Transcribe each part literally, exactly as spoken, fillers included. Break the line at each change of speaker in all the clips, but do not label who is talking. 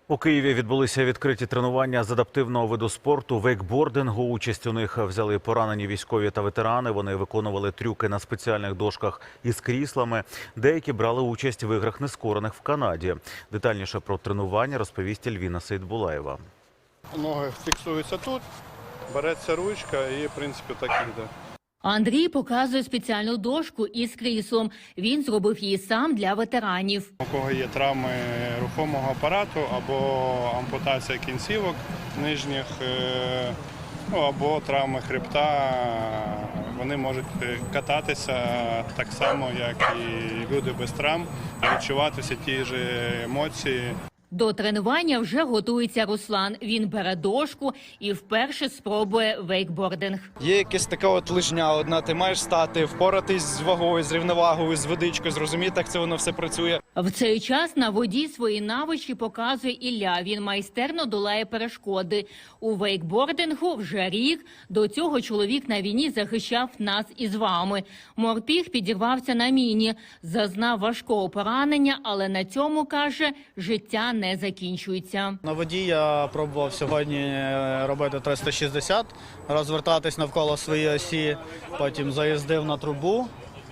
У Києві відбулися відкриті тренування з адаптивного виду спорту вейкбордингу. Участь у них взяли поранені військові та ветерани. Вони виконували трюки на спеціальних дошках із кріслами. Деякі брали участь в іграх нескорених в Канаді. Детальніше про тренування розповість Ельвіна Сейдбулаєва.
Ноги фіксуються тут, береться ручка і, в принципі, так іде.
Андрій показує спеціальну дошку із кріслом. Він зробив її сам для ветеранів.
У кого є травми рухомого апарату або ампутація кінцівок нижніх, ну, або травми хребта, вони можуть кататися так само, як і люди без травм, відчувати всі ті ж емоції.
До тренування вже готується Руслан. Він бере дошку і вперше спробує вейкбординг.
Є якась така от лижня одна, ти маєш стати, впоратись з вагою, з рівновагою, з водичкою, зрозуміти, як це воно все працює.
В цей час на воді свої навички показує Ілля. Він майстерно долає перешкоди. У вейкбордингу вже рік. До цього чоловік на війні захищав нас із вами. Морпіг підірвався на міні, зазнав важкого поранення, але на цьому, каже, життя не закінчується.
На воді я пробував сьогодні робити триста шістдесят, розвертатись навколо своєї осі, потім заїздив на трубу,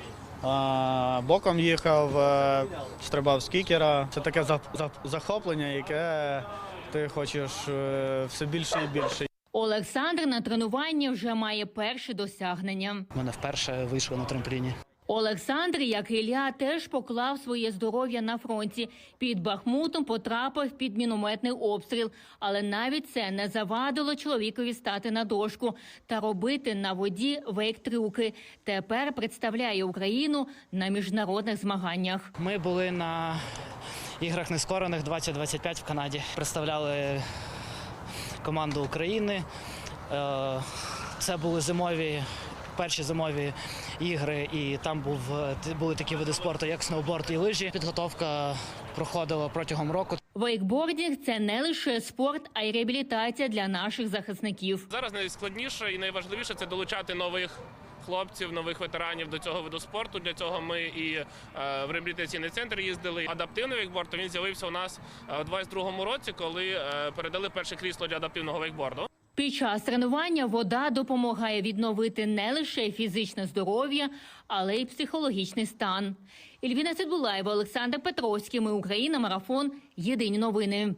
боком їхав, стрибав з кікера. Це таке захоплення, яке ти хочеш все більше і більше.
Олександр на тренуванні вже має перші досягнення.
У мене вперше вийшло на трампліні.
Олександр, як і Ілля, теж поклав своє здоров'я на фронті. Під Бахмутом потрапив під мінометний обстріл. Але навіть це не завадило чоловікові стати на дошку та робити на воді вейк-трюки. Тепер представляє Україну на міжнародних змаганнях.
Ми були на іграх нескорених двадцять двадцять п'ять в Канаді. Представляли команду України. Це були зимові перші зимові ігри, і там був, були такі види спорту, як сноуборд і лижі. Підготовка проходила протягом року.
Вейкбординг – це не лише спорт, а й реабілітація для наших захисників.
Зараз найскладніше і найважливіше – це долучати нових хлопців, нових ветеранів до цього виду спорту. Для цього ми і е, в реабілітаційний центр їздили. Адаптивний вейкборд, він з'явився у нас у двадцять другому році, коли е, передали перше крісло для адаптивного вейкборду.
Під час тренування вода допомагає відновити не лише фізичне здоров'я, але й психологічний стан. Ельвіна Сейдбулаєва, Олександр Петровський. Ми Україна. Марафон. Єдині новини.